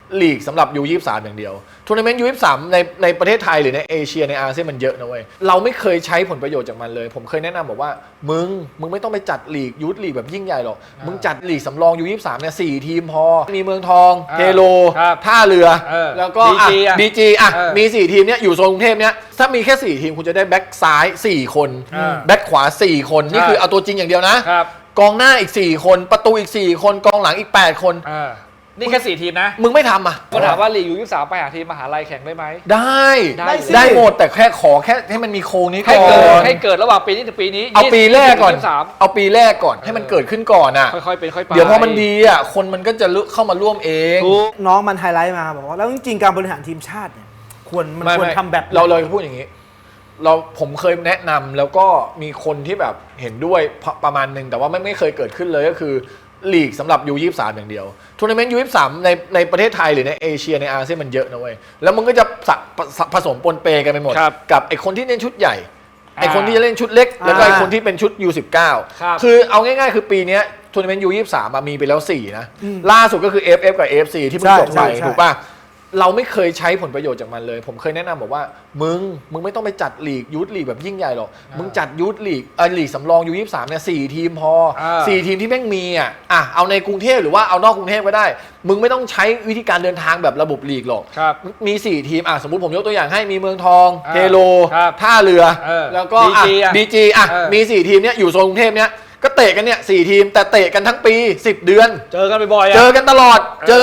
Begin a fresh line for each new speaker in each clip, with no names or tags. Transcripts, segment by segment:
ลีกสำหรับU23อย่างเดียวทัวร์นาเมนต์U23ในประเทศไทยหรือในเอเชียในอาเซียนมันเยอะนะเว้ยเราไม่เคยใช้ผลประโยชน์จากมันเลยผมเคยแนะนำบอกว่ามึงไม่ต้องไปจัดลีกยูทลีกแบบยิ่งใหญ่หรอกมึงจัดลีกสำรองU23เนี่ย4ทีมพอมีเมืองทองเทโลท่าเรือแล้วก็บีจีมี4ทีมเนี่ยอยู่โซนกรุงเทพเนี่ยถ้ามีแค่4ทีมคุณจะได้แบ็คซ้าย4คนแบ็คขวา4คนนี่คือเอาตัวจริงอย่างเดียวนะกองหน้าอีก4คนประตูอีก4คนกองหลังอีก8คน
นี่แค่4ทีมนะ
มึงไม่ทำอ่ะ
ก็ถามว่าลีกU23ไปหาทีมมหาลัยแข่งได้ไหม
ได้หมดแต่แค่ขอแค่ให้มันมีโครงนี้ก่อน
ให้เกิดระหว่างปีนี้ถึงปีนี้
เอาปีแรกก่อนให้มันเกิดขึ้นก่อนอ่ะ
ค่อยๆเป็นค่อยไป
เดี๋ยวพอมันดีอ่ะคนมันก็จะเข้ามาร่วมเอง
น้องมันไฮไลท์มาบอกว่าแล้วจริงๆการบริหารทีมชาติเนี่ยควรทำแบบ
เราเลยพูดอย่างนี้ผมเคยแนะนำแล้วก็มีคนที่แบบเห็นด้วยประมาณนึงแต่ว่าไม่เคยเกิดขึ้นเลยก็คือลีกสำหรับU23อย่างเดียวทัวร์นาเมนต์U23ในประเทศไทยหรือในเอเชียในอาเซียนมันเยอะนะเว้ยแล้วมันก็จะผสมปนเปกันไปหมดกับไอคนที่เล่นชุดใหญ่ไอคนที่จะเล่นชุดเล็กแล้วก็ไอคนที่เป็นชุดU19คือเอาง่ายๆคือปีนี้ทัวร์นาเมนต์U23มีไปแล้ว4นะล่าสุดก็คือ FF กับ AFC ที่เพิ่งจบไปถูกป่ะเราไม่เคยใช้ผลประโยชน์จากมันเลยผมเคยแนะนำบอกว่ามึงไม่ต้องไปจัดลีกยูทลีกแบบยิ่งใหญ่หรอกมึงจัดยูทลีกลีกสำรองU23เนี่ย4ทีมพอ4ทีมที่แม่งมีเอาในกรุงเทพหรือว่าเอานอกกรุงเทพก็ได้มึงไม่ต้องใช้วิธีการเดินทางแบบระบบลีกหรอกมี4ทีมสมมุติผมยกตัวอย่างให้มีเมืองทองเทโลท่าเรือแล้วก็บีจีมี4ทีมเนี่ยอยู่โซนกรุงเทพเนี่ยก็เตะกันเนี่ย4ทีมแต่เตะกันทั้งปี10เดือน
เจอกันบ่อย
ๆเจอกันตลอด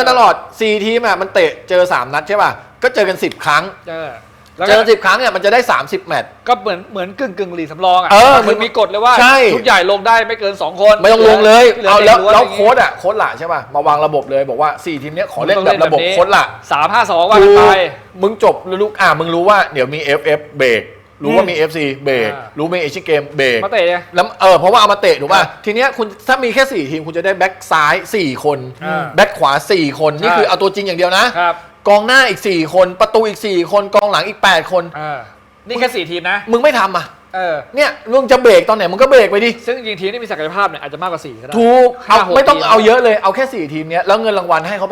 4ทีมมันเตะเจอ3นัดใช่ป่ะก็เจอกัน10ครั้งเจอ10ครั้งเนี่ยมันจะได้30แมตช์
ก็เหมือนกึ่งลีกสำรองมันมีกฎเลยว่าชุดใหญ่ลงได้ไม่เกิน2คน
ไม่ต้องลงเลยเอาแล้วโค้ชละใช่ป่ะมาวางระบบเลยบอกว่า4ทีมเนี้ยขอเล่นแบบระบบโค้ชละ
3-5-2ว่ากันไป
มึงจบลูกมึงรู้ว่าเดี๋ยวมี FF เบรกรู้ว่ามี FC เบรกรู้มีเอเชียนเกมเบรก
มาเตะ
แล้วเพราะว่าเอามาเตะถูกป่ะทีเนี้ยคุณถ้ามีแค่4ทีมคุณจะได้แบ็คซ้าย4คนแบ็คขวา4คนนี่คือเอาตัวจริงอย่างเดียวนะกองหน้าอีก4คนประตูอีก4คนกองหลังอีก8คน
นี่แค่4ทีมนะ
มึงไม่ทำเนี่ยมึงจะเบรกตอนไหนมึงก็เบรกไปดิ
ซึ่งจริงทีมที่มีศักยภาพเนี่ยอาจจะมากกว่า4ก็ได้
ถูกไม่ต้องเอาเยอะเลยเอาแค่4ทีมเนี้ยแล้วเงินรางวัลให้เขาไป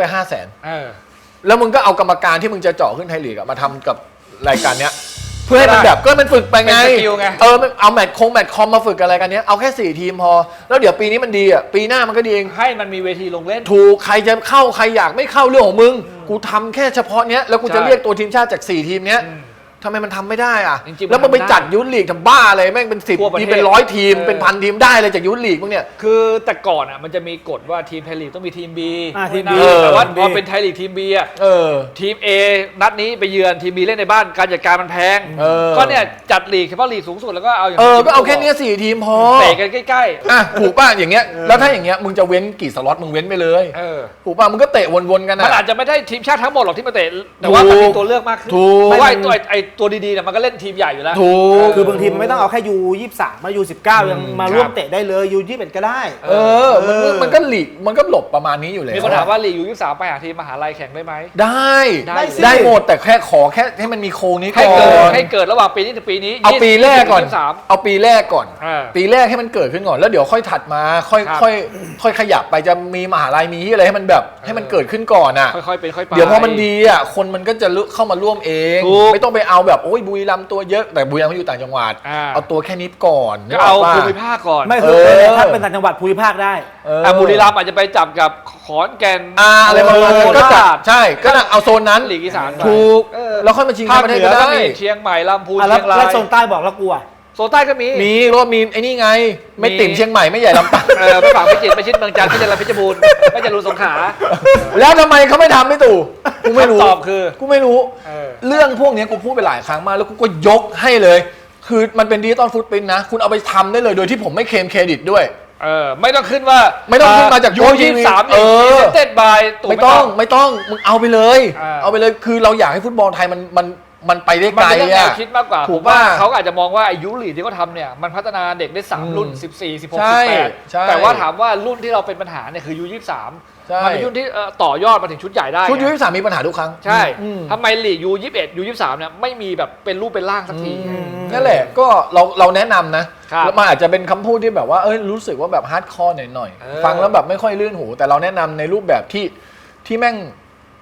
500,000แล้วมึงก็เอากรรมการที่มึงจะเจาะขึ้นไทยลีกมาทำกับรายการเนี้ยเพื่อให้มันแบบก็มันฝึกไปไงเอาแมตช์คอมมาฝึกอะไรกันเนี้ยเอาแค่4ทีมพอแล้วเดี๋ยวปีนี้มันดีปีหน้ามันก็ดีเอง
ให้มันมีเวทีลงเล่น
ถูกใครจะเข้าใครอยากไม่เข้าเรื่องของมึงกูทำแค่เฉพาะเนี้ยแล้วกูจะเรียกตัวทีมชาติจาก4ทีมเนี้ยทำไมมันทำไม่ได้แล้วมันไปจัดยูทลีกทำบ้าอะไรแม่งเป็น10ทีมเป็น100ทีมเป็น1,000ทีมได้เลยจากยูทลีกมึงเนี่ย
คือแต่ก่อนมันจะมีกฎว่าทีมไทยลีกต้องมีทีม B แต่ว่าพอเป็นไทยลีกทีม B ทีม A นัดนี้ไปเยือนทีม B เล่นในบ้านการจัดการมันแพงก็เนี่ยจัดลีกเฉพาะลีกสูงสุดแล้วก็เอาอย่าง
ก็เอาแค่นี้4ทีมพอ
เตะกันใกล้
ๆถูกป่ะอย่างเงี้ยแล้วถ้าอย่างเงี้ยมึงจะเว้นกี่สล็อตมึงเว้นไปเลยถูกป่ะมึงก็เตะวนๆกัน
มันอาจจะไม่ได้ทีมชาติทั้งหมดหรอกที่มาเตะแต่ว่ามันมีตัวเลือกมากขึ้นเพราะว่าไอ้ตัวดีๆมันก็เล่นทีมใหญ่อยู่แล้ว
คือบางทีมันไม่ต้องเอาแค่U23มาU19ยังมาร่วมเตะได้เลยU21ก็ได้
มันก็ลีกมันก็หลบประมาณนี้อยู่เลย
มีคนถามว่าลีกU23ไปหาทีมมหาลัยแข่งได้ไหม
ได้หมดแต่แค่ขอแค่ให้มันมีโครงนี้ก่อน
ให้เกิดระหว่างปีนี้ถึงปีนี้
เอาปีแรกก่อนปีแรกให้มันเกิดขึ้นก่อนแล้วเดี๋ยวค่อยถัดมาค่อยขยับไปจะมีมหาลัยมีอะไรให้มันแบบให้มันเกิดขึ้นก่อน
ค่อยๆเป็นค่อยไป
เดี๋ยวพอมันดีคนมันก็จะเข้ามาร่วมเองไม่ต้องไปเอาแบบโอ้ยบุรีรัมย์ตัวเยอะแต่บุรีรัมย์เขาอยู่ต่างจังหวัดเอาตัวแค่นี้ก่อน
เอาภูมิภาคก่อน
ไม่คือถ้าเป็นต่างจังหวัดภูมิภาคได้
บุรีรัมย์อาจจะไปจับกับขอนแก่น
อะไรบางก็จัดใช่ก็เอาโซนนั้น
ลีกอีสาน
ถูกแล้วค่อยมาชิงประเทศก็ได้
เชียงใหม่ลำพูนเชียงราย
แล้วโซนใต้บอกแล้วกลัว
โซนใต้ก็มี
รถมีไอ้นี่ไงไม่ติ่มเชียงใหม่ไม่ใหญ่ลำปาง
ไม่ฝั่งพิจิตรไม่ชิดเมืองจันทร์ไม่ใช่ลำเพชรบูรณ์ไม่ใช่รูสงขลา
แล้วทำไมเขาไม่ทำไม่ตู่กูไม่รู้
ตอบคือ
กูไม่รู้เรื่องพวกนี้กูพูดไปหลายครั้งมากแล้วกูก็ยกให้เลยคือมันเป็นดิจิตอลฟุตปรินท์นะคุณเอาไปทำได้เลยโดยที่ผมไม่เคลมเครดิตด้วย
ไม่ต้องขึ้นว่า
ไม่ต้องขึ้นมาจาก
U23เต็ดบาย
ไม่ต้องมึงเอาไปเลยคือเราอยากให้ฟุตบอลไทยมันไปได้ไกล
คิดมากกว่าถูกว่าเขาอาจจะมองว่าอายุลีกที่เขาทำเนี่ยมันพัฒนาเด็กได้3รุ่น14 16 18แต่ว่าถามว่ารุ่นที่เราเป็นปัญหาเนี่ยคือU23มันเป็นรุ่นที่ต่อยอดมาถึงชุดใหญ่ได้
ชุดU23มีปัญหาทุกครั้ง
ใช่ทำไมลีกU21 U23เนี่ยไม่มีแบบเป็นรูปเป็นร่างสักที
นั่นแหละก็เราแนะนำนะแล้วมันอาจจะเป็นคำพูดที่แบบว่ารู้สึกว่าแบบฮาร์ดคอร์หน่อยฟังแล้วแบบไม่ค่อยลื่นหูแต่เราแนะนำในรูปแบบที่แม่ง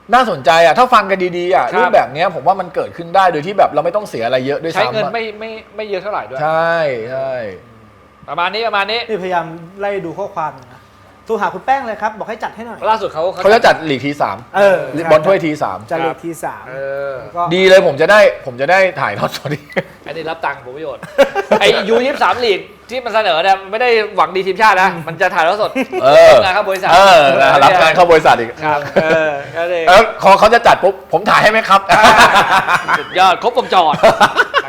น่าสนใจอ่ะถ้าฟังกันดีๆอ่ะ
ครับ
รูปแบบเนี้ยผมว่ามันเกิดขึ้นได้โดยที่แบบเราไม่ต้องเสียอะไรเยอะด้วย
ใช้
ซ้ำ
เงิน
อะ
ไม่เยอะเท่าไหร่ด้วย
ใช่ใช่
ประมาณนี้
นี่พยายามไล่ดูข้อความอยู่นะโทรหาคุณแป้งเลยครับ บอกให้จัดให้หน่อย
ล่าสุดเขา
เขาจะจัดลีกทีสาม บอลถ้วยทีสาม
จัดเลขทีสาม
เออ
ก็
ดีเลยผมจะได้ถ่ายทอดสดดี
อันนี้รับตังค์ผมประโยชน์ ไอ้U23ลีกที่มันเสนอเนี่ยไม่ได้หวังดีทีมชาตินะ มันจะถ่ายทอดสด งานครับบริษัท
รับงานเข้าบริษัทอีก
ครับก็เลย
แล้วเขาจะจัดปุ๊บผมถ่ายให้ไหมครับ
สุดยอดครบวงจร